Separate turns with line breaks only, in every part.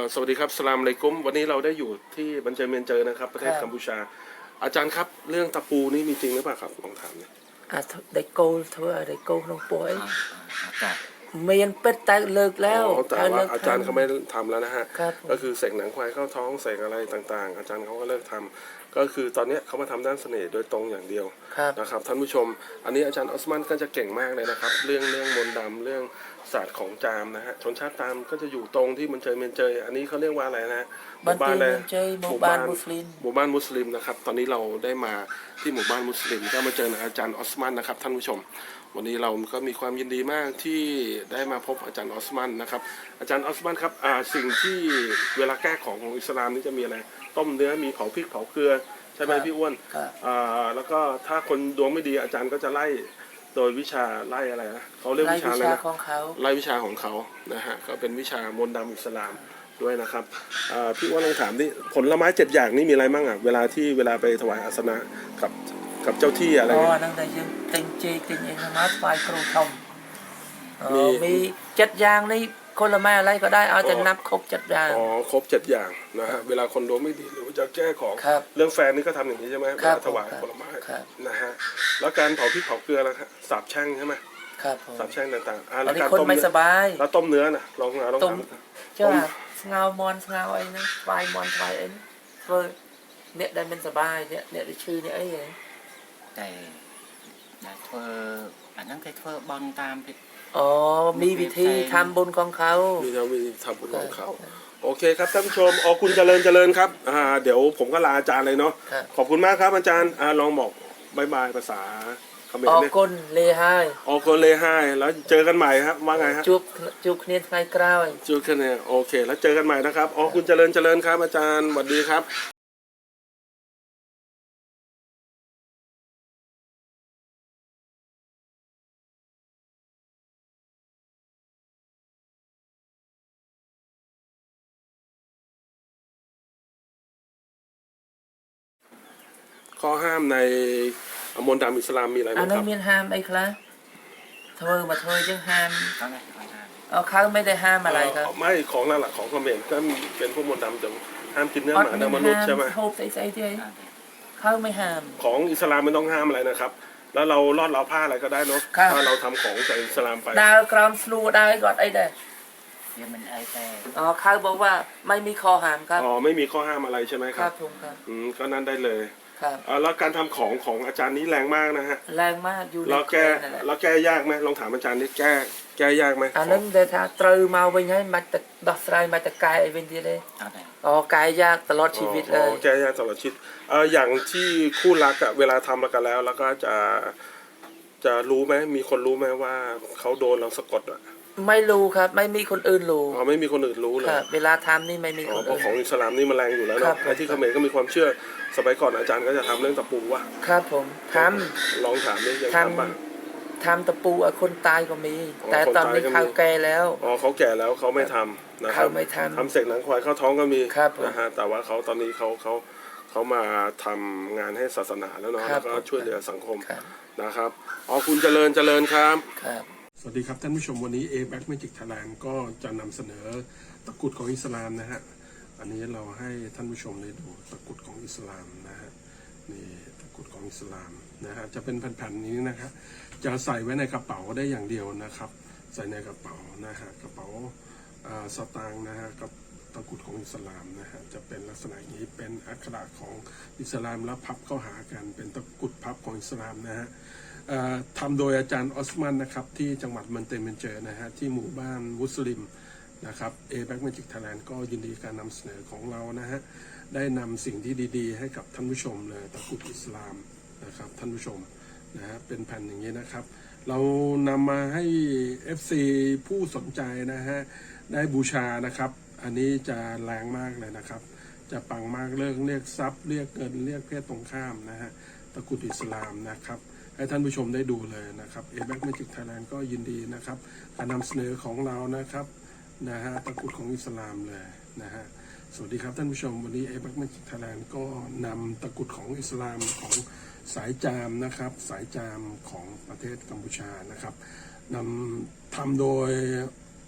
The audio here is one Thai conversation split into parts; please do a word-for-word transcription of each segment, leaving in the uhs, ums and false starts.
สวัสดีครับสลามอะลัยกุมวันนี้เราได้อยู่ที่บันเจเมียนเจอนะครับประเทศกัมพูชาอาจารย์ครับเรื่องตะปูนี่มีจริงหรือเปล่าครับลองถามหน่อย
อ่ะได้โกลเธอได้โกลน้องป่วยเมียนเป็ดแต่เลิกแล้ว
แต่ว่าอาจารย์เขาไม่ทำแล้วนะฮะก็คือเสกหนังควายเข้าท้องเสกอะไรต่างๆอาจารย์เขาก็เลิกทำก็คือตอนนี้เขามาทำด้านเสน่ห์โดยตรงอย่างเดียวนะครับท่านผู้ชมอันนี้อาจารย์ออสมันก็จะเก่งมากเลยนะครับเรื่องเรื่องมนต์ดำเรื่องศาสตร์ของจามนะฮะชนชาติตามก็จะอยู่ตรงที่มันเจอเมียนเจยอันนี้เขาเรียกว่าอะไรนะ
หมู่บ้านอะไรหมู่บ้านมุสลิม
หมู่บ้านมุสลิมนะครับตอนนี้เราได้มาที่หมู่บ้านมุสลิมก็มาเจออาจารย์ออสมันนะครับท่านผู้ชมวันนี้เราก็มีความยินดีมากที่ได้มาพบอาจารย์ออสมันนะครับอาจารย์ออสมันครับสิ่งที่เวลาแก้ของของอิสลามนี่จะมีอะไรต้มเนื้อมีเผาพริกเผาเกลือใช่ไหมพี่อ้วนแล้วก็ถ้าคนดวงไม่ดีอาจารย์ก็จะไล่โดยวิชาไล่อะไรนะเขาเรียกวิชาอะไรนะไล่วิชาของเขานะฮะก็เป็นวิชามนต์ดำอิสลามด้วยนะครับพี่อ้วนลองถามดิผลไม้เจ็ดอย่างนี่มีอะไรบ้างอ่ะเวลาที่เวลาไปถวายอาสนะกับกับเจ้าที่อะไร
อ๋อนั่งแต่ยังเต็งเจเต็งเองมาไฟครูทอมมีเจ็ดอย่างนี่คนละไม้อะไรก็ได้เอาแต่นับครบเจ็ดอย่าง
อ๋อครบเจ็ดอย่างนะฮะเวลาคนดวงไม่ดีหรือจะแก้ของเรื่องแฟนนี่ก็ทำอย่างนี้ใช่ไหมเวลาถวายผลไม้นะฮะแล้วการเผาพริกเผาเกลือแล้วสาบแช่งใช่ไหม
ครับ
สาบแช่งต่างๆ
แล้วการต้มไม่สบาย
แล้วต้มเนื้อน่ะลองลองท
ำเจ้าเงามอนเงาไอ้นะไฟมอนไฟไอ้เพื่อเนี่ยได้เป็นสบายเนี่ยเนี่ยได้ชื่อเนี่ยไอ้ยัง
แต่แต่เธออันนั้นแค่เธอบอลตาม
อ๋อมีวิธีทำบุญของเขา
มีวิธีทำบุญของเขาโอเคครับท่านผู้ชมอ๋อคุณเจริญเจริญครับอ่าเดี๋ยวผมก็ลาอาจารย์เลยเนาะขอบคุณมากครับอาจารย์อ่าลองบอกบายบายภาษาเขมร
เนี่ยออกคนเลไฮ
ออกคนเลไฮแล้วเจอกันใหม่ครับว่าไงฮะ
จุกจุกเนียนไฟกล้าว
จุกเนี่ยโอเคแล้วเจอกันใหม่นะครับอ๋อคุณเจริญเจริญครับอาจารย์สวัสดีครับข้อห้ามในมนต์ดำอิสลามมีอะไรบ้างครับอัน
นั้นมีห้ามไอ้ครับเธอมาเธอยังห้ามเอาเขาไม่ได้ห้ามอะไรครับ
ไม่ของนั่นแหละของเขมรก็เป็นพวกมนต์ดำจะห้ามกินเนื้อหมาเนื้อมนุษย์ใช่ไหม
โฮปใส่ใจเดียวเขาไม่ห้าม
ของอิสลามไม่ต้องห้ามอะไรนะครับแล้วเราลอดเราผ้าอะไรก็ได้เนาะถ้าเราทำของจากอิสลามไป
ดาวกรามฟลูดาวกอดไอ้เด้
เดี๋ยวมันไอ้แต่
อ๋อเขาบอกว่าไม่มีข้อห้ามครับ
อ๋อไม่มีข้อห้ามอะไรใช่ไหมครับ
ครับผมครับ
อืมก็นั่นได้เลย
ครับ
แล้วการทำของของอาจารย์นี้แรงมากนะฮะ
แรงมากอยู่
แล้วแก้แล้วแก้ยากไหมลองถามอาจารย์นี่แก้แก้ยากไหม
อันนั้นเดี๋ยวถ้าตรมาไว้ให้มาแต่ดอกสายมาแต่กายไอ้เวนดีเลยอ๋อกายยากตลอดชีวิตเลย
แก้ยากตลอดชีวิตเอออย่างที่คู่รักอะเวลาทำกันแล้วแล้วก็จะจะรู้ไหมมีคนรู้ไหมว่าเขาโดนเราสะกดอะ
ไม่รู้ครับไม่มีคนอื่นรู้
อ๋อไม่มีคนอื่นรู้เลย
เวลาทำนี่ไม่มีคนอื่น
เพราะของอิสลามนี่มันแรงอยู่แล้วเนาะในที่เขมรก็มีความเชื่อสมัยก่อนอาจารย์ก็จะทำเรื่องตะปูว่ะ
ครับผมทำ
ลองถามนี่ยัง
ทำป่ะทำตะปูคนตายก็มีแต่ตอนนี้เขาแก่แล้ว
อ๋อเขาแก่แล้วเขาไม่ทำนะครับ
เขาไม่ทำ
ทำเสกหนังควายเข้าท้องก็มี
ครับ
นะฮะแต่ว่าเขาตอนนี้เขาเขาเขามาทำงานให้ศาสนาแล้วเนาะแล้วก็ช่วยเหลือสังคมนะครับอ๋อคุณเจริญเจริญครับสวัสดีครับท่านผู้ชมวันนี้ A Back Magic Thailand ก็จะนำเสนอตะกรุดของอิสลามนะฮะอันนี้เราให้ท่านผู้ชมได้ดูตะกรุดของอิสลามนะฮะนี่ตะกรุดของอิสลามนะฮะจะเป็นแผ่นๆนี้นะครับจะใส่ไว้ในกระเป๋าได้อย่างเดียวนะครับใส่ในกระเป๋านะฮะกระเป๋าสตางค์นะฮะกับตะกรุดของอิสลามนะฮะจะเป็นลักษณะอย่างนี้เป็นอักขระของอิสลามแล้วพับเข้าหากันเป็นตะกรุดพับของอิสลามนะฮะทำโดยอาจารย์ออสมันนะครับที่จังหวัดมันเตเมนเจอนะฮะที่หมู่บ้านมุสลิมนะครับ A Back Magic Thailand ก็ยินดีการนำเสนอของเรานะฮะได้นำสิ่งที่ดีๆให้กับท่านผู้ชมเลยตะกรุดอิสลามนะครับท่านผู้ชมนะฮะเป็นแผ่นอย่างนี้นะครับเรานำมาให้ เอฟ ซี ผู้สนใจนะฮะได้บูชานะครับอันนี้จะแรงมากเลยนะครับจะปังมากเรื่องเรียกทรัพย์เรียกเงินเรียกเพศตรงข้ามนะฮะตะกรุดอิสลามนะครับให้ท่านผู้ชมได้ดูเลยนะครับ A Back Magic Thailand ก็ยินดีนะครับการนำเสนอของเรานะครับนะฮะตะกรุดของอิสลามเลยนะฮะสวัสดีครับท่านผู้ชมวันนี้ A Back Magic Thailand ก็นำตะกรุดของอิสลามของสายจามนะครับสายจามของประเทศกัมพูชานะครับนำทำโดย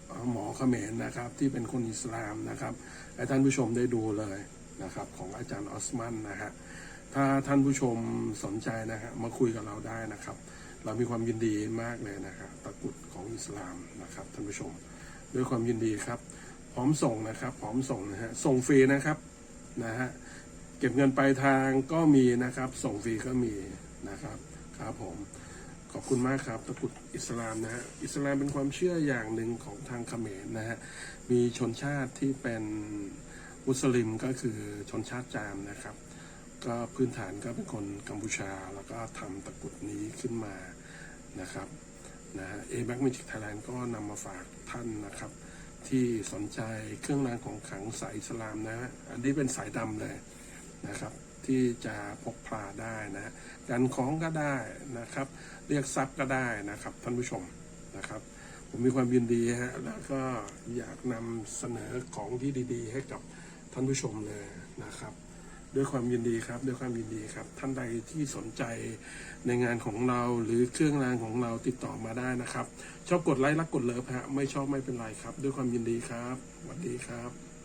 หมอเขมรนะครับที่เป็นคนอิสลามนะครับให้ท่านผู้ชมได้ดูเลยนะครับของอาจารย์ออสมันนะฮะถ้าท่านผู้ชมสนใจนะฮะมาคุยกับเราได้นะครับเรามีความยินดีมากเลยนะครับตะกรุดของอิสลามนะครับท่านผู้ชมด้วยความยินดีครับพร้อมส่งนะครับพร้อมส่งนะฮะส่งฟรีนะครับนะฮะเก็บเงินปลายทางก็มีนะครับส่งฟรีก็มีนะครับครับผมขอบคุณมากครับตะกรุดอิสลามนะฮะอิสลามเป็นความเชื่ออย่างหนึ่งของทางเขมรนะฮะมีชนชาติที่เป็นมุสลิมก็คือชนชาติจามนะครับก็พื้นฐานก็เป็นคนกัมพูชาแล้วก็ทำตะกรุดนี้ขึ้นมานะครับนะฮะ A-Back Magic Thailand ก็นำมาฝากท่านนะครับที่สนใจเครื่องรางของขลังสายอิสลามนะฮะอันนี้เป็นสายดำเลยนะครับที่จะพกพาได้นะฮะกันของก็ได้นะครับเรียกทรัพย์ก็ได้นะครับท่านผู้ชมนะครับผมมีความยินดีฮะแล้วก็อยากนำเสนอของที่ดีๆให้กับท่านผู้ชมเลยนะครับด้วยความยินดีครับด้วยความยินดีครับท่านใดที่สนใจในงานของเราหรือเครื่องรางของเราติดต่อมาได้นะครับชอบกดไลค์รักกดเลิฟฮะไม่ชอบไม่เป็นไรครับด้วยความยินดีครับสวัสดีครับ